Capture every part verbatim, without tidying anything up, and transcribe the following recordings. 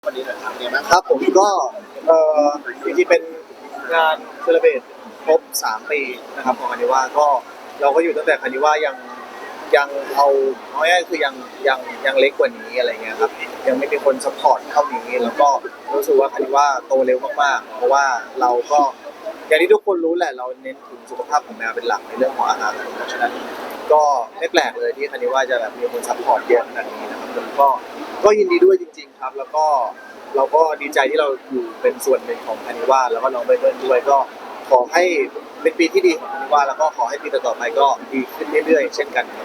วันนี้หน่อยครับเนี่ยมั้งครับผมก็เอ่อจริงๆเป็นงานเซเลบรตครบสามปีนะครับของคานิว่าก็เราก็อยู่ตั้งแต่คานิว่ายังยังเอาเอาง่ายๆคือยังยังยังเล็กกว่านี้อะไรเงี้ยครับยังไม่มีคนซัพพอร์ตเท่านี้แล้วก็รู้สึกว่าคานิว่าโตเร็วมากๆเพราะว่าเราก็อย่างที่ทุกคนรู้แหละเราเน้นถึงสุขภาพของแมวเป็นหลักในเรื่องของอาหารเพราะฉะนั้นก็ไม่แปลกเลยที่คานิว่าจะแบบมีคนซัพพอร์ตเยอะขนาดนี้นะครับผมก็ก็ยินดีด้วยจริงๆครับแล้วก็เราก็ดีใจที่เราอยู่เป็นส่วนหนึ่งของคานิว่าแล้วก็น้องเบิร์ดด้วยก็ขอให้เป็นปีที่ดีของคานิว่าแล้วก็ขอให้ปีต่อๆไปก็ดีขึ้นเรื่อยๆเช่นกันครับ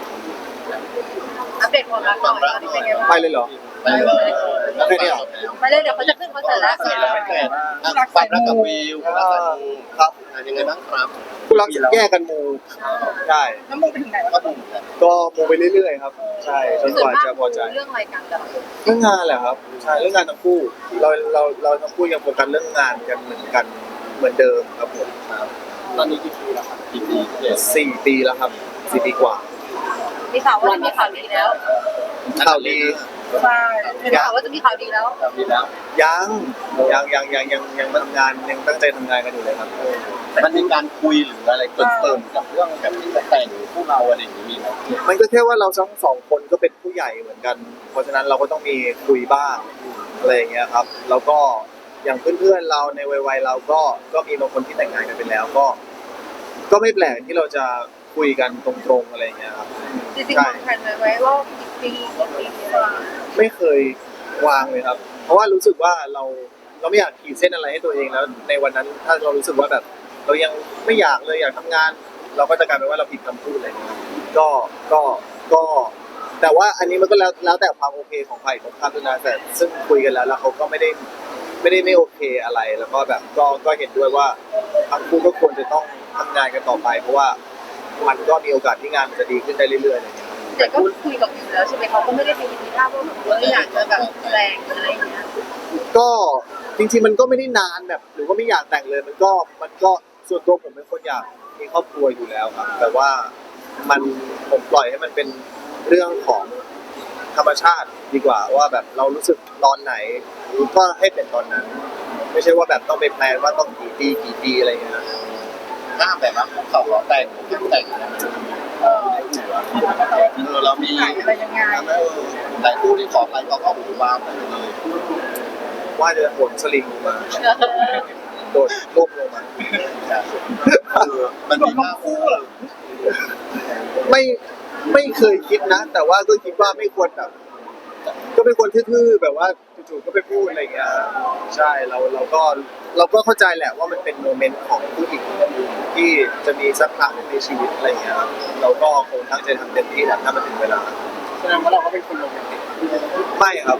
อัปเดตความรักหน่อยตอนนี้เป็นไงบ้างไปเลยเหรอไปเลยแล้วแค่นี้เหรอไปเลยเดี๋ยวเขาจะขึ้นคอนเสิร์ตแล้วเสร็จแล้วไม่เกิดความรักกับวิวความรักกับมูครับยังไงบ้างครับผู้รักแยกกันมูใช่แล้วมึงไปถึงไหนวะก็มูก็มูไปเรื่อยๆครับใช่จนกว่าจะพอใจเรื่องอะไรกันแต่ละคนเรื่องงานแหละครับใช่เรื่องงานทั้งคู่เราเราเราทั้งคู่ยังโฟกัสเรื่องงานกันเหมือนกันเหมือนเดิมครับผมครับตอนนี้กี่ปีแล้วครับกี่ปีเจ็ดสี่ปีแล้วครับสี่ปีกว่ามีข่าวว่าจะมีข่าวดีแล้วข่าวดีใช่มีข่าวว่าจะมีข่าวดีแล้วปีแล้วยังยังยังยังยังยังทำงานยังตั้งใจทำงานกันอยู่เลยครับมันมีการคุยหรืออะไรเกินเติมกับเรื่องแบบที่จะแต่งพวกเราอะไรอย่างนี้มีไหมมันก็แค่ว่าเราทั้งสองคนก็เป็นผู้ใหญ่เหมือนกัน เพราะฉะนั้นเราก็ต้องมีคุยบ้างอะไรอย่างเงี้ยครับ แล้วก็อย่างเพื่อนๆเราในวัยๆเราก็ก็มีบางคนที่แต่งงานกันไปแล้วก็ ก็ไม่แปลกที่เราจะคุยกันตรงๆอะไรอย่างเงี้ยครับจริงๆวางแผนไว้ว่าปีกี่ปีอะไรไม่เคยวางเลยครับ เพราะว่ารู้สึกว่าเราเราไม่อยากขีดเส้นอะไรให้ตัวเองแล้วในวันนั้นถ้าเรารู้สึกว่าแบบ เรายังไม่อยากเลยอยากทำงาน เราก็จะกลายเป็นว่าเราผิดคำพูดอะไรอย่างเงี้ยก็ก็ก็ แต่ว่าอันนี้มันก็แล้วแล้วแต่ความโอเคของใครของข้ามด้วยนะแต่ซึ่งคุยกันแล้วแล้วเขาก็ไม่ได้ไม่ได้ไม่โอเคอะไรแล้วก็แบบก็ก็เห็นด้วยว่าทั้งคู่ก็ควรจะต้องทำงานกันต่อไป เพราะว่ามันก็มีโอกาสที่งานมันจะดีขึ้นได้เรื่อยๆอะไรอย่างเงี้ยแต่ก็คุยกับอยู่แล้วใช่ไหมเขาก็ไม่ได้มีทีท่าว่าแบบว่าอยากจะแบบแรงอะไรอย่างเงี้ยก็จริงๆมันก็ไม่ได้นานแบบหรือว่าไม่อยากแต่งเลยมันก็มันก็ส่วนตัวผมเป็นคนอยากมีครอบครัวอยู่แล้วครับแต่ว่ามันผมปล่อยให้มันเป็นเรื่องของธรรมชาติดีกว่าว่าแบบเรารู้สึกตอนไหนก็ให้เป็นตอนนั้น ไม่ใช่ว่าแบบต้องไปแพลนว่าต้องกี่ปีกี่ปีอะไรอย่างเงี้ยถ้าแบบว่าเขาขอแต่งผมแต่งเออเออเรามีอะไรยังไงเออแต่คู่ที่ขอไปเขาก็หูวาวไปเลยว่าจะโหนสลิงลงมาโดดล่มลงมาเออมันมีภาพคู่เหรอไม่ไม่เคยคิดนะ แต่ว่าก็คิดว่าไม่ควรแบบก็เป็นคนทื่อๆแบบว่าจู่ๆก็ไปพูดอะไรอย่างเงี้ยใช่เราเราก็เราก็เข้าใจแหละว่ามันเป็นโมเมนต์ของผู้หญิงที่จะมีสักครั้งในชีวิตอะไรอย่างเงี้ยครับเราก็คงตั้งใจทำเต็มที่แหละถ้ามันถึงเวลาแสดงว่าเราก็เป็นคนโรแมนติกไม่ครับ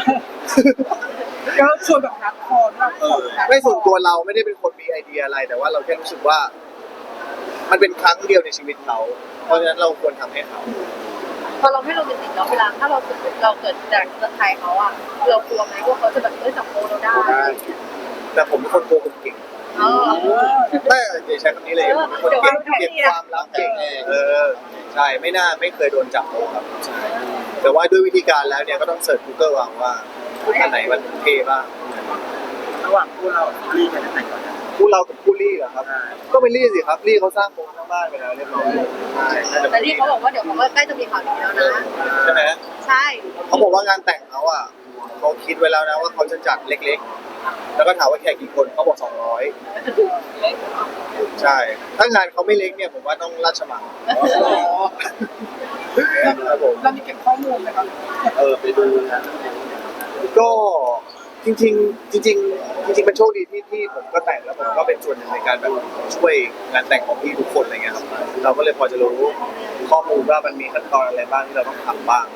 ก็ชวนแบบฮักคอร์แบบเออไม่ส่วนตัวเราไม่ได้เป็นคนมีไอเดียอะไร แต่ว่าเราแค่รู้สึกว่า มันเป็นครั้งเดียวในชีวิตเขาเพราะฉะนั้นเราควรทำให้เขาพอเราไม่โรแมนติกเนาะเวลาถ้าเราเกิดเราเกิดจากเมืองไทยเขาอะเรากลัวไหมว่าเขาจะแบบเอ้ยจับโมเราได้อะไรอย่างเงี้ยแต่ผมเป็นคนโกหกเก่งเออไม่อย่าใช้คำนี้เลยผมเป็นคนเก็บเก็บความลับเก่งเออใช่ไม่น่าไม่เคยโดนจับเลยครับใช่แต่ว่าด้วยวิธีการแล้วเนี่ยก็ต้องเสิร์ช Google เอาว่าอันไหนมันเท่บ้างระหว่างคู่เราลีกันไหนก่อนคู่เรากับคู่ลี่เหรอครับ ก็เป็นลี่สิครับลี่เขาสร้างโครงสร้างบ้านไปแล้วเรียบร้อยใช่น่าจะแต่ที่เขาบอกว่าเดี๋ยวเขาก็ใกล้จะมีข่าวดีแล้วนะใช่ไหมใช่เขาบอกว่างานแต่งเขาอ่ะเขาคิดไว้แล้วนะว่าเขาจะจัดเล็กๆ แล้วก็ถามว่าแขกกี่คนเขาบอกสองร้อยใช่ ถ้างานเขาไม่เล็กเนี่ยผมว่าต้องราชมังครับผมเรามีเก็บข้อมูลไหมครับเออไปดูนะก็จริงๆจริงๆจริงๆเป็นโชคดีที่ที่ผมก็แต่งแล้วผมก็เป็นส่วนหนึ่งในการแบบช่วยงานแต่งของพี่ทุกคนอะไรเงี้ยครับเราก็เลยพอจะรู้ข้อมูลว่ามันมีขั้นตอนอะไรบ้างที่เราต้องทำบ้าง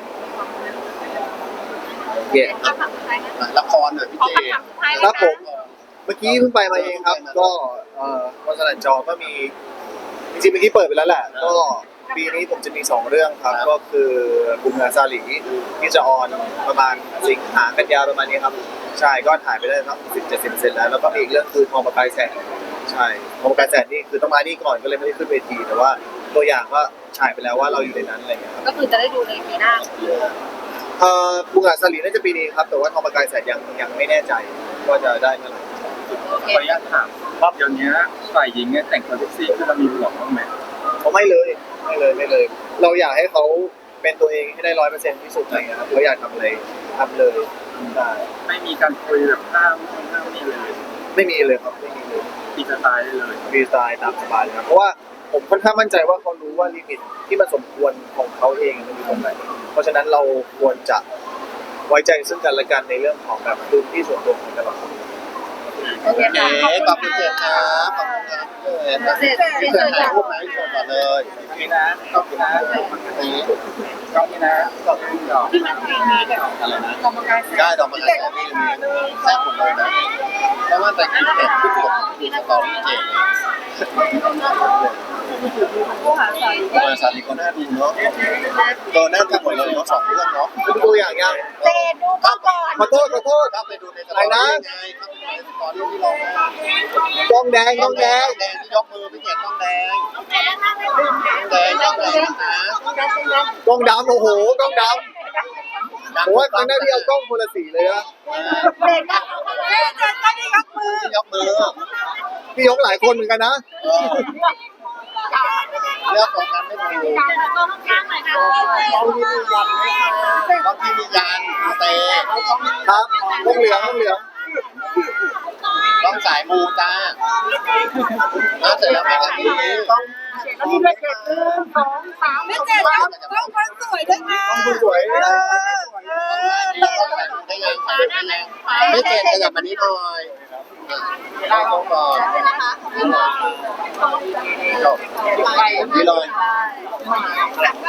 เย่คำถามสุดท้ายนะละครหน่อยพี่ขอเจคำถามสุดท้ายเลยครับนะผมเมื่อกี้เพิ่งไปมาเองครับ ก็เอ่อวันสนันจอก็มีจริงๆเมื่อกี้เปิดไปแล้วแหละ ก็ปีนี้ผมจะมีสองเรื่องครับ ก็คือบุญงานซาหลีที่จะออนประมาณสิงหากันยาประมาณนี้ครับใช่ก็ถ่ายไปได้ทั้งสิบเจ็ดสิบเซนแล้วแล้วก็มีอีกเรื่องคือทองประกายแสงใช่ทองประกายแสงนี่คือต้องมานี่ก่อนก็เลยไม่ได้ขึ้นเวทีแต่ว่าตัวอย่างก็ฉายไปแล้วว่าเราอยู่ในนั้นอะไรอย่างเงี้ยครับก็คือจะได้ดูในปีหน้าเอ่อบุงอาจสลีน่าจะปีนี้ครับแต่ว่าทองประกายแสดยังยังไม่แน่ใจว่าจะได้เมื่อไหร่โอเคขออนุญาตถามครับเดี๋ยวนี้ฝ่ายหญิงเนี่ยแต่งตัวเซ็กซี่คือเรามีห่วงบ้างไหมเขาไม่เลยไม่เลยไม่เลย เราอยากให้เขาเป็นตัวเองให้ได้ร้อยเปอร์เซ็นต์ที่สุดอะไรเงี้ยครับเขาอยากทำอะไรทำเลยได้ไม่มีการคุยแบบห้ามนู่นห้ามนี่เลยไม่มีเลยครับไม่มีเลยตีสไตล์ได้เลยฟรีสไตล์ตามสบายเลยครับเพราะว่าผมค่อนข้างมั่นใจว่าเขารู้ว่าลิมิตที่มันสมควรของเขาเองมันอยู่ตรงไหนเพราะฉะนั้นเราควรจะไว้ใจซึ่งกันและกันในเรื่องของแบบพื้นที่ส่วนตัวของแต่ละคนโอเคโอเคค่ะขอบคุณเจมส์ครับขอบคุณครับเจมส์เสร็จพี่เสร็เจจมส์เลถ่ายยรูปไหมชวนก่อนเลยนี่นะขอบคุณนะนี่กล้องนี้นะขอบคุณดอกที่มันเพลงนี้แบบอะไรนะกรรมการแสได้ดอกไม้แซ่บนี่แซ่บหมดเลยนะเพราะว่าแต่กินเผ็ดทุกคนดูสตอรี่เจมส์ผู้หาสายบริษัทนี้ก็น่าดูเนาะตัวน่าดูหมดเลยเนาะสองเรื่องเนาะเป็นตัวอย่างยังเจนดูก็ก่อนขอโทษขอโทษเข้าไปดูในสตอรี่ไงเข้าไปดูในสตอรี่ที่เรากล้องแดงกล้องแดงแดงที่ยกมือพี่เกียรติต้องแดงแดงต้องแดงนะกล้องดำโอ้โหกล้องดำผมว่าตอนนั้นพี่เอากล้องคนละสีเลยนะเจนก็เจนก็ได้ยกมือที่ยกมือพี่ยกหลายคนเหมือนกันนะเลือกของกันไม่ถูกต้องข้างหน่อยค่ะต้องที่มียันเตะครับกล้องเหลืองกล้องเหลืองต้องสายมูจ้าน่าเสร็จแล้วไหมกันนี้ต้องแล้วมีเลขเจ็ดหนึ่งสองสามเลขเจ็ดต้องต้องคนสวยด้วยนะกล้องคุณสวยเออเออได้ยังได้ยังไม่เจ็ดขยับมานี้หน่อยได้ต้องก่อนจบนี่เลย